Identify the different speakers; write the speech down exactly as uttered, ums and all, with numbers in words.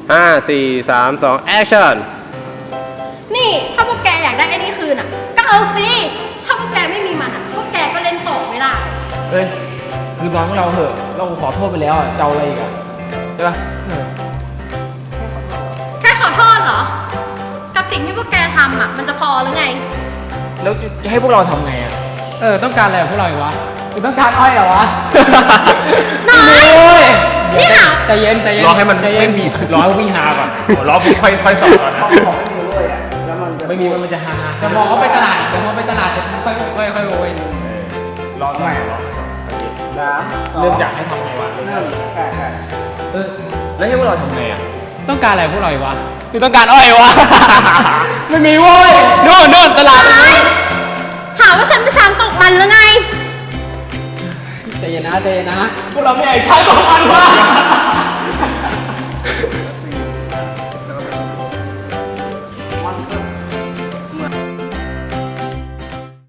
Speaker 1: ห้าสี่สามสองแอคชั่น
Speaker 2: นี่ถ้าพวกแกอยากได้ไอ้นี่คืนอ่ะก็เอาสิถ้าพวกแกไม่มีมันอ่ะพวกแกก็เล่นต่อไม่ได้
Speaker 3: เฮ้ยคือน้องเราเหอะเราขอโทษไปแล้วอ่ะเจ้าอะไรอีกอ่ะใช่ปะ
Speaker 2: แค่ขอโทษเหรอกับสิ่งที่พวกแกทำอ่ะมันจะพอหรือไง
Speaker 3: แล้วจะให้พวกเราทำไงอ่ะเออต้องการอะไรพวกเราอีกวะคือต้องการอ้อยเหรอวะ
Speaker 2: น้อยนี่ค่ะ
Speaker 3: ใจเย็นใจเย็น
Speaker 1: รอให้มัน
Speaker 3: ไม่มีรอให้พี่ฮาก่อนรอพี่ค่อยค่อยสอนก่อนนะไม่มีมันจะฮาจะมองเขาไปตลาดจะมองไปตลาดจะค่อยค่อยค่อยโวยรอหน่อยรอเรื่องอยากให้ทำไงวะใช่ใช่เออแล้วให้พวกเราทำไงอ่ะต้องการอะไรพวกเราอีกวะคือต้องการอ้อยวะ ไม่มีโว้ยโน่นโน่นตลาด
Speaker 2: หาว่าฉันเป็นช้างตกมันหรือไง
Speaker 3: ใจเย็นนะใจเย็นนะพวกเราไม่ไอ้ช้างตกมันวะ